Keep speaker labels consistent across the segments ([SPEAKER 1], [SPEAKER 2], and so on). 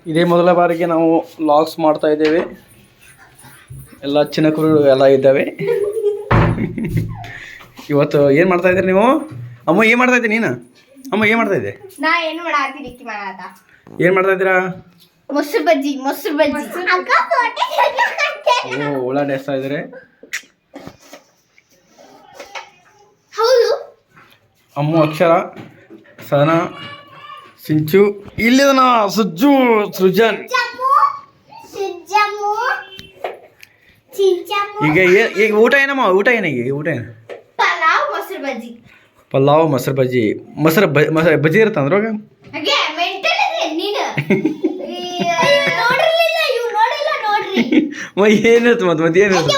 [SPEAKER 1] ಇದೇ ಮೊದಲ ಬಾರಿಗೆ ನಾವು ಲಾಗ್ಸ್ ಮಾಡ್ತಾ ಇದ್ದೇವೆ. ಎಲ್ಲ ಚಿನ್ನಕರು ಎಲ್ಲ ಇದ್ದಾವೆ. ಇವತ್ತು ಏನು ಮಾಡ್ತಾ ಇದ್ದೀರಿ ನೀವು? ಅಮ್ಮ ಏನು ಮಾಡ್ತಾ ಇದ್ದೀನಿ ನೀನು? ಅಮ್ಮ ಏನು ಮಾಡ್ತಾ ಇದ್ದೆ? ಏನು ಮಾಡ್ತಾ ಇದ್ದೀರಾ?
[SPEAKER 2] ಮೊಸರು ಬಜ್ಜಿ.
[SPEAKER 1] ಓ ಉಳ್ಳಾಗಡ್ಡಿ ಎಸ್ತಾ ಇದ್ದಾರೆ.
[SPEAKER 2] ಹೌದು.
[SPEAKER 1] ಅಮ್ಮ ಅಕ್ಷರ, ಸಹನಾ, ಸಿಂಚು, ಇಲ್ಲಿದನ ಸುಜ್ಜು, ಸೃಜನ್. ಈಗ ಊಟ ಏನಮ್ಮ? ಊಟ ಏನಾಗಿ? ಊಟ ಏನು? ಪಲಾವ್ ಮೊಸರು ಬಜ್ಜಿ. ಮೊಸರು ಬಜ್ಜಿ ಇರುತ್ತೆ ಅಂದ್ರಾಗ? ಏನಿರುತ್ತೆ ಮತ್ತೆ ಏನಿರುತ್ತೆ?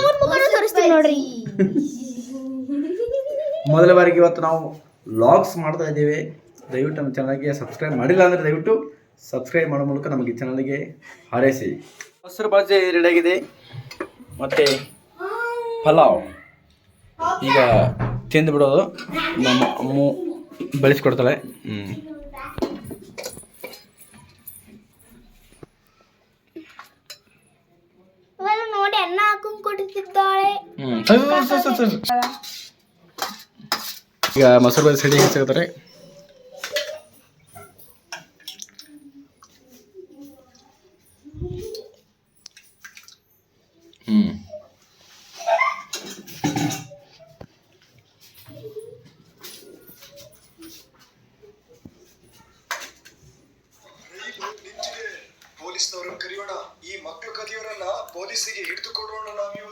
[SPEAKER 1] ಮೊದಲ ಬಾರಿಗೆ ಇವತ್ತು ನಾವು ವ್ಲಾಗ್ಸ್ ಮಾಡ್ತಾ ಇದ್ದೇವೆ. ದಯವಿಟ್ಟು ನಮ್ಮ ಚಾನಲ್ಗೆ ಸಬ್ಸ್ಕ್ರೈಬ್ ಮಾಡಿಲ್ಲ ಅಂದರೆ ದಯವಿಟ್ಟು ಸಬ್ಸ್ಕ್ರೈಬ್ ಮಾಡೋ ಮೂಲಕ ನಮಗೆ ಚಾನಲ್ಗೆ ಹಾರೈಸಿ. ಮೊಸರು ಬಜ್ಜಿ ರೆಡಿಯಾಗಿದೆ ಮತ್ತು ಪಲಾವ್ ಈಗ ತಿಂದು ಬಿಡೋದು. ನಮ್ಮ ಅಮ್ಮ ಬೆಳೆಸ್ಕೊಡ್ತಾಳೆ.
[SPEAKER 2] ನೋಡಿ ಅನ್ನ ಹಾಕೊಂಡು ಕೊಡುತ್ತಿದ್ದಾಳೆ.
[SPEAKER 1] ಈಗ ಮೊಸರು ಬಜ್ಜಿ ಸಿಡಿ ಸಿಗ್ತಾರೆ.
[SPEAKER 3] ಪೊಲೀಸ್ನವರನ್ನು ಕರೆಯೋಣ. ಈ ಮಕ್ಕಳು ಕದಿಯೋರನ್ನ ಪೊಲೀಸಿಗೆ ಹಿಡಿದು ಕೊಡೋಣ ನಾವು.